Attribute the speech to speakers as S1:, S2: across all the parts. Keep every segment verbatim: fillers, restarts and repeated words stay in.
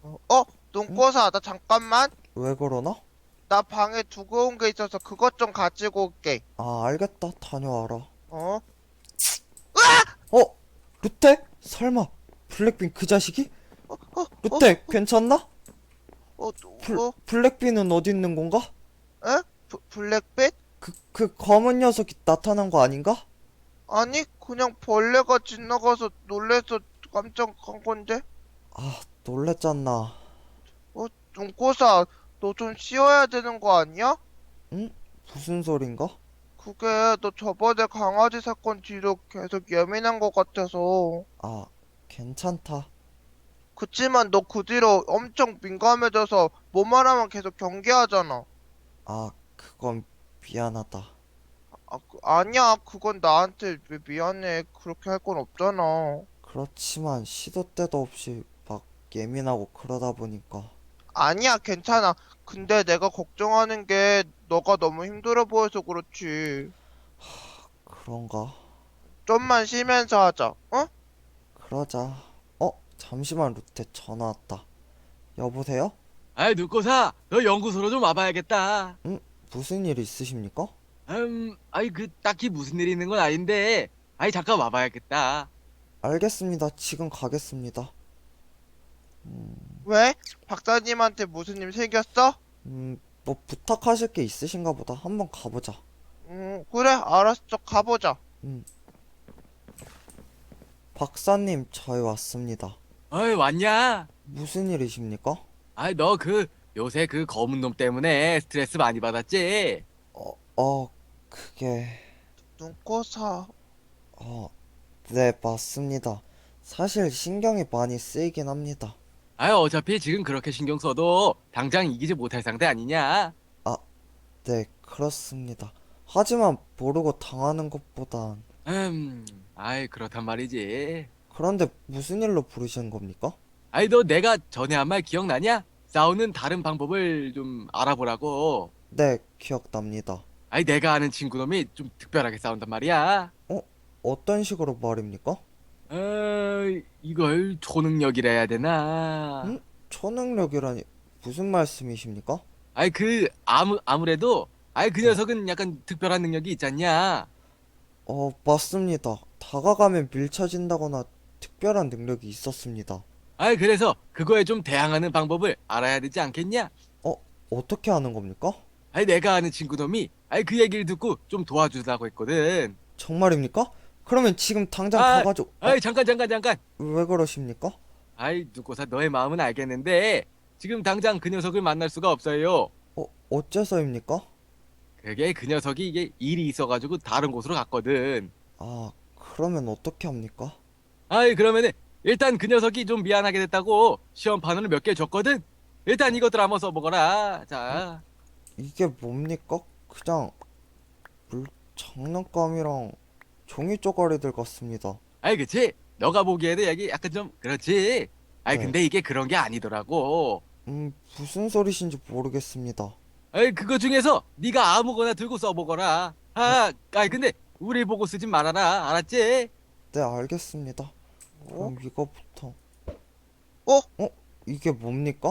S1: 어?
S2: 응?
S1: 눈꽃아, 나 잠깐만.
S2: 왜 그러나?
S1: 나 방에 두고 온 게 있어서 그것 좀 가지고 올게.
S2: 아, 알겠다. 다녀와라.
S1: 어?
S2: 어? 루테? 설마 블랙빈 그 자식이?
S1: 어? 어? 어?
S2: 루테, 괜찮나?
S1: 어?
S2: 블,
S1: 어?
S2: 블랙빈은 어디 있는 건가?
S1: 에? 브, 블랙빛?
S2: 그, 그 검은 녀석이 나타난 거 아닌가?
S1: 아니, 그냥 벌레가 지나가서 놀래서 깜짝 간 건데?
S2: 아, 놀랬잖아.
S1: 어? 눈꽃아, 너 좀 쉬어야 되는 거 아니야?
S2: 응? 무슨 소린가?
S1: 그게 너 저번에 강아지 사건 뒤로 계속 예민한 것 같아서.
S2: 아, 괜찮다.
S1: 그치만 너 그 뒤로 엄청 민감해져서 뭐만 하면 계속 경계하잖아.
S2: 아, 그건 미안하다.
S1: 아, 그, 아니야. 그건 나한테 왜 미안해. 그렇게 할 건 없잖아.
S2: 그렇지만 시도 때도 없이 막 예민하고 그러다 보니까.
S1: 아니야, 괜찮아. 근데 내가 걱정하는 게 너가 너무 힘들어 보여서 그렇지.
S2: 그런가?
S1: 좀만 쉬면서 하자. 어?
S2: 그러자. 어? 잠시만, 루테 전화 왔다. 여보세요?
S3: 아이, 눈꽃아, 너 연구소로 좀 와봐야겠다.
S2: 응? 무슨 일 있으십니까?
S3: 음, 아이, 그, 딱히 무슨 일이 있는 건 아닌데, 아이, 잠깐 와봐야겠다.
S2: 알겠습니다. 지금 가겠습니다.
S1: 왜? 박사님한테 무슨 일 생겼어?
S2: 음, 뭐 부탁하실 게 있으신가 보다. 한번 가보자.
S1: 음, 그래, 알았어. 가보자.
S2: 음, 박사님, 저희 왔습니다.
S3: 어이, 왔냐?
S2: 무슨 일이십니까?
S3: 아이, 너 그, 요새 그 검은 놈 때문에 스트레스 많이 받았지?
S2: 어, 어, 그게,
S1: 눈꽃아.
S2: 어, 네, 맞습니다. 사실 신경이 많이 쓰이긴 합니다.
S3: 아이, 어차피 지금 그렇게 신경 써도 당장 이기지 못할 상대 아니냐?
S2: 아, 네, 그렇습니다. 하지만 모르고 당하는 것보단,
S3: 음, 아이, 그렇단 말이지.
S2: 그런데 무슨 일로 부르시는 겁니까?
S3: 아이, 너 내가 전에 한 말 기억나냐? 싸우는 다른 방법을 좀 알아보라고.
S2: 네, 기억납니다.
S3: 아이, 내가 아는 친구 놈이 좀 특별하게 싸운단 말이야.
S2: 어, 어떤 식으로 말입니까?
S3: 어, 이걸 초능력이라 해야 되나?
S2: 음? 초능력이라니 무슨 말씀이십니까?
S3: 아이, 그, 아무, 아무래도, 아이, 그
S2: 네.
S3: 녀석은 약간 특별한 능력이 있잖냐?
S2: 어, 맞습니다. 다가가면 밀쳐진다거나 특별한 능력이 있었습니다.
S3: 아이, 그래서 그거에 좀 대항하는 방법을 알아야 되지 않겠냐?
S2: 어, 어떻게 하는 겁니까?
S3: 아이, 내가 아는 친구 놈이, 아이, 그 얘기를 듣고 좀 도와주려고 했거든.
S2: 정말입니까? 그러면 지금 당장
S3: 아,
S2: 가가지고, 어,
S3: 아이, 잠깐, 잠깐, 잠깐.
S2: 왜 그러십니까?
S3: 아이, 누구사 너의 마음은 알겠는데, 지금 당장 그 녀석을 만날 수가 없어요.
S2: 어, 어째서입니까?
S3: 그게 그 녀석이 이게 일이 있어가지고 다른 곳으로 갔거든.
S2: 아, 그러면 어떻게 합니까?
S3: 아이, 그러면은 일단 그 녀석이 좀 미안하게 됐다고 시험판을 몇 개 줬거든. 일단 이것들 한번 써보거라.
S2: 음?
S3: 자,
S2: 이게 뭡니까? 그냥 물 장난감이랑 종이 쪼가리들 같습니다.
S3: 아이, 그치? 너가 보기에도 여기 약간 좀 그렇지. 아이,
S2: 네.
S3: 근데 이게 그런 게 아니더라고.
S2: 음, 무슨 소리신지 모르겠습니다.
S3: 아이, 그거 중에서 네가 아무거나 들고 써보거라.
S2: 어,
S3: 아, 아이, 근데 우리 보고 쓰지 말아라. 알았지?
S2: 네, 알겠습니다.
S1: 어?
S2: 그럼 이거부터.
S1: 어?
S2: 어? 이게 뭡니까?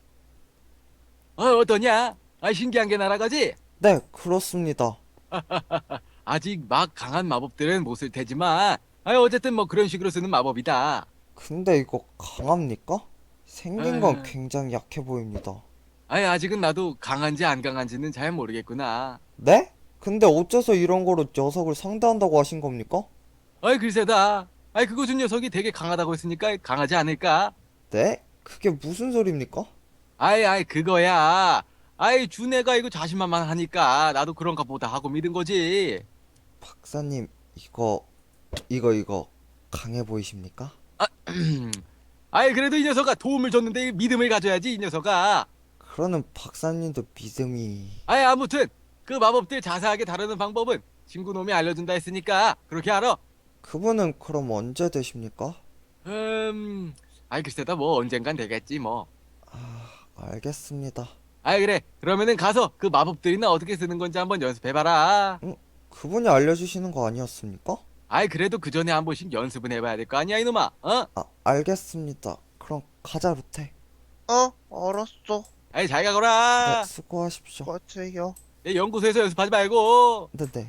S3: 어, 어떠냐? 아, 신기한 게 날아가지?
S2: 네, 그렇습니다.
S3: 아직 막 강한 마법들은 못 쓸 테지만, 아, 어쨌든 뭐 그런 식으로 쓰는 마법이다.
S2: 근데 이거 강합니까? 생긴 건
S3: 아,
S2: 굉장히 약해 보입니다.
S3: 아이, 아직은 나도 강한지 안 강한지는 잘 모르겠구나.
S2: 네? 근데 어째서 이런 거로 녀석을 상대한다고 하신 겁니까?
S3: 아이, 글쎄다. 아이, 그거 준 녀석이 되게 강하다고 했으니까 강하지 않을까?
S2: 네? 그게 무슨 소리입니까?
S3: 아이, 아이, 그거야. 아이, 준 애가 이거 자신만만하니까 나도 그런가 보다 하고 믿은 거지.
S2: 박사님, 이거, 이거, 이거, 강해 보이십니까?
S3: 아이, 그래도 이 녀석아 도움을 줬는데 믿음을 가져야지, 이 녀석아.
S2: 그러는 박사님도 믿음이...
S3: 아이, 아무튼 그 마법들 자세하게 다루는 방법은 친구 놈이 알려준다 했으니까 그렇게 알아.
S2: 그분은 그럼 언제 되십니까?
S3: 음, 아이, 글쎄다 뭐 언젠간 되겠지 뭐.
S2: 아, 알겠습니다.
S3: 아이, 그래. 그러면은 가서 그 마법들이나 어떻게 쓰는 건지 한번 연습해봐라.
S2: 응? 그분이 알려주시는 거 아니었습니까?
S3: 아이, 그래도 그 전에 한 번씩 연습은 해봐야 될 거 아니야, 이놈아. 어?
S2: 아, 알겠습니다. 그럼 가자, 루테.
S1: 어, 알았어.
S3: 아이 잘
S2: 네,
S3: 가거라.
S2: 수고하십시오.
S1: 같아요.
S3: 내 연구소에서 연습하지 말고.
S2: 네네.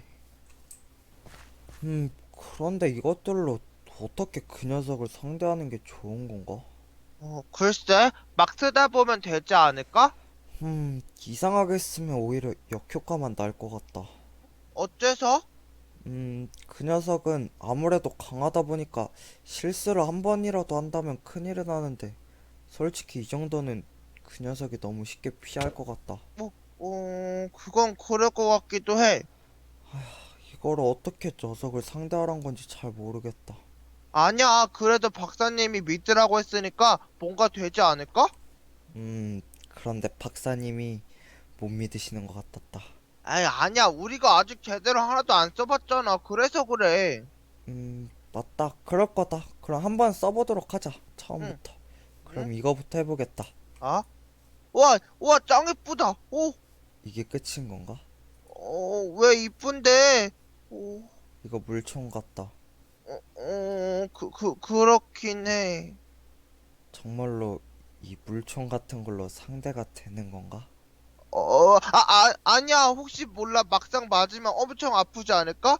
S2: 음, 그런데 이것들로 어떻게 그 녀석을 상대하는 게 좋은 건가?
S1: 어, 글쎄, 막 쓰다 보면 되지 않을까?
S2: 음, 이상하게 쓰면 오히려 역효과만 날 것 같다.
S1: 어째서?
S2: 음, 그 녀석은 아무래도 강하다 보니까 실수를 한 번이라도 한다면 큰일은 나는데, 솔직히 이 정도는 그 녀석이 너무 쉽게 피할 것 같다.
S1: 뭐, 어, 그건 그럴 것 같기도 해.
S2: 이거를 어떻게 녀석을 상대하란 건지 잘 모르겠다.
S1: 아니야, 그래도 박사님이 믿으라고 했으니까 뭔가 되지 않을까?
S2: 음, 그런데 박사님이 못 믿으시는 것 같았다.
S1: 아이, 아니야, 우리가 아직 제대로 하나도 안 써봤잖아. 그래서 그래.
S2: 음, 맞다. 그럴 거다. 그럼 한번 써보도록 하자.
S1: 응,
S2: 처음부터.
S1: 응?
S2: 그럼 이거부터 해보겠다.
S1: 아? 우와, 우와, 짱 이쁘다. 오,
S2: 이게 끝인 건가?
S1: 어, 왜 이쁜데? 오,
S2: 이거 물총 같다.
S1: 어, 어, 그, 그, 그렇긴 해.
S2: 정말로 이 물총 같은 걸로 상대가 되는 건가?
S1: 어, 아, 아, 아니야. 혹시 몰라. 막상 맞으면 엄청 아프지 않을까?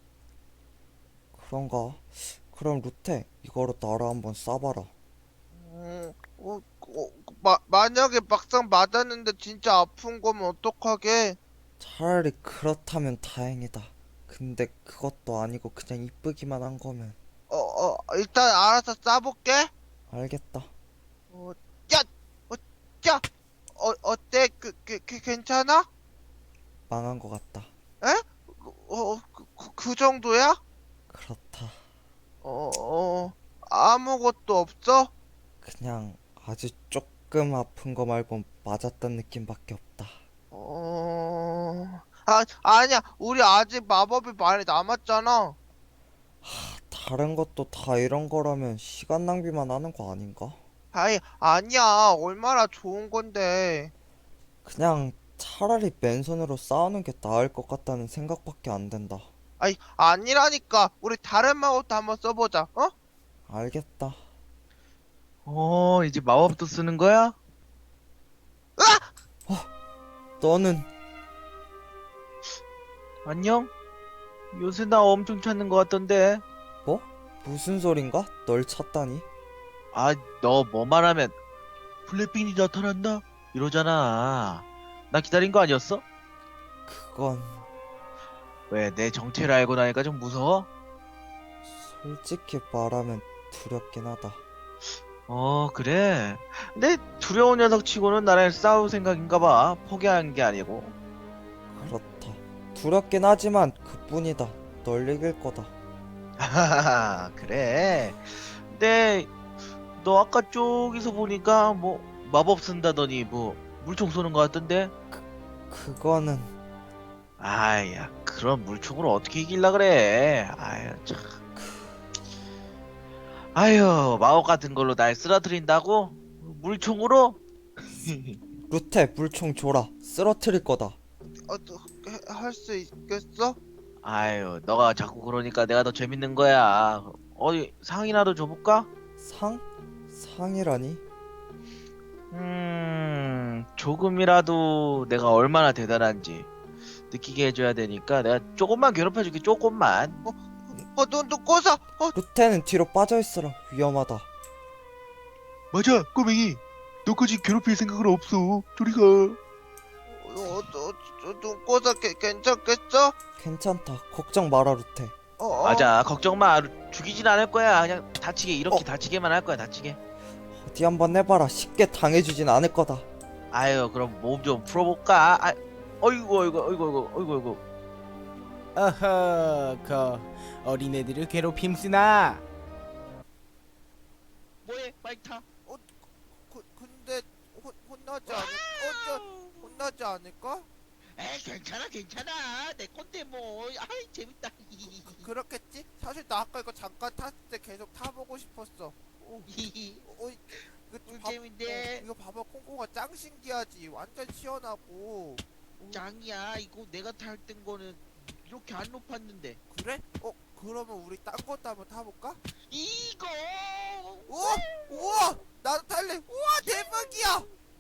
S2: 그런가? 그럼 루테, 이거로 나를 한번 쏴봐라.
S1: 어, 어, 어, 마, 만약에 막상 맞았는데 진짜 아픈 거면 어떡하게?
S2: 차라리 그렇다면 다행이다. 근데 그것도 아니고 그냥 이쁘기만 한 거면
S1: 어, 어, 일단 알아서 쏴볼게.
S2: 알겠다.
S1: 어, 야, 어, 야, 어, 어때? 그, 그, 그 괜찮아?
S2: 망한 것 같다.
S1: 에? 그, 어, 그, 그, 그 정도야?
S2: 그렇다.
S1: 어, 어, 아무것도 없어?
S2: 그냥 아주 조금 아픈 거 말곤 맞았던 느낌밖에 없다.
S1: 어, 아, 아니야. 우리 아직 마법이 많이 남았잖아.
S2: 다른 것도 다 이런 거라면 시간 낭비만 하는 거 아닌가?
S1: 아이, 아니야. 얼마나 좋은 건데.
S2: 그냥 차라리 맨손으로 싸우는 게 나을 것 같다는 생각밖에 안 된다.
S1: 아이, 아니라니까. 우리 다른 마법도 한번 써보자. 어?
S2: 알겠다.
S4: 어, 이제 마법도 쓰는 거야?
S2: 너는
S4: 안녕? 요새 나 엄청 찾는 것 같던데.
S2: 뭐? 무슨 소린가? 널 찾다니?
S4: 아, 너 뭐 말하면 블랙빈이 나타난다? 이러잖아. 나 기다린 거 아니었어?
S2: 그건
S4: 왜 내 정체를 알고 나니까 좀 무서워?
S2: 솔직히 말하면 두렵긴 하다.
S4: 어, 그래. 근데 두려운 녀석 치고는 나랑 싸울 생각인가 봐. 포기한 게 아니고.
S2: 그렇다. 두렵긴 하지만 그뿐이다. 널 이길 거다.
S4: 하하하, 그래. 근데 너 아까 저기서 보니까 뭐 마법 쓴다더니 뭐 물총 쏘는 것 같던데?
S2: 그거는
S4: 아야, 그런 물총으로 어떻게 이길라 그래? 아유, 참. 아유, 마법 같은 걸로 날 쓰러뜨린다고? 물총으로?
S2: 루테 물총 줘라. 쓰러뜨릴 거다.
S1: 어, 할 수 있겠어?
S4: 아유, 너가 자꾸 그러니까 내가 더 재밌는 거야. 어디 상이라도 줘볼까?
S2: 상? 상이라니?
S4: 음, 조금이라도 내가 얼마나 대단한지 느끼게 해줘야 되니까 내가 조금만 괴롭혀줄게, 조금만.
S1: 어, 너, 너 꼬사! 어,
S2: 루테는 뒤로 빠져있어라. 위험하다.
S4: 맞아, 꼬맹이. 너까지 괴롭힐 생각은 없어. 저리 가.
S1: 어, 너, 너, 너 꼬사 개, 괜찮겠어?
S2: 괜찮다. 걱정 마라 루테.
S1: 어, 어.
S4: 맞아, 걱정 마. 죽이진 않을 거야. 그냥 다치게, 이렇게
S2: 어.
S4: 다치게만 할 거야, 다치게.
S2: 어디 한번 해봐라. 쉽게 당해주진 않을 거다.
S4: 아유, 그럼 몸 좀 풀어볼까? 아, 어이구, 어이구, 어이구, 어이구, 어이구, 어이구.
S5: 어허, 그 어린애들을 괴롭힘 쓰나?
S4: 뭐해, 마이크 타.
S1: 그, 근데 혼, 혼나지 않을, 어, 저, 혼나지 않을까?
S4: 에이, 괜찮아, 괜찮아. 내 건데 뭐. 아이, 재밌다.
S1: 그렇겠지? 사실 나 아까 이거 잠깐 탔을 때 계속 타보고 싶었어. 어, 어, 이거
S4: 음,
S1: 봐-
S4: 재밌네.
S1: 어, 이거 봐봐, 콩콩아 짱 신기하지. 완전 시원하고.
S4: 짱이야. 이거 내가 탈 땐 거는 이렇게 안 높았는데.
S1: 그래? 어, 그러면 우리 딴 것도 한번 타볼까?
S4: 이거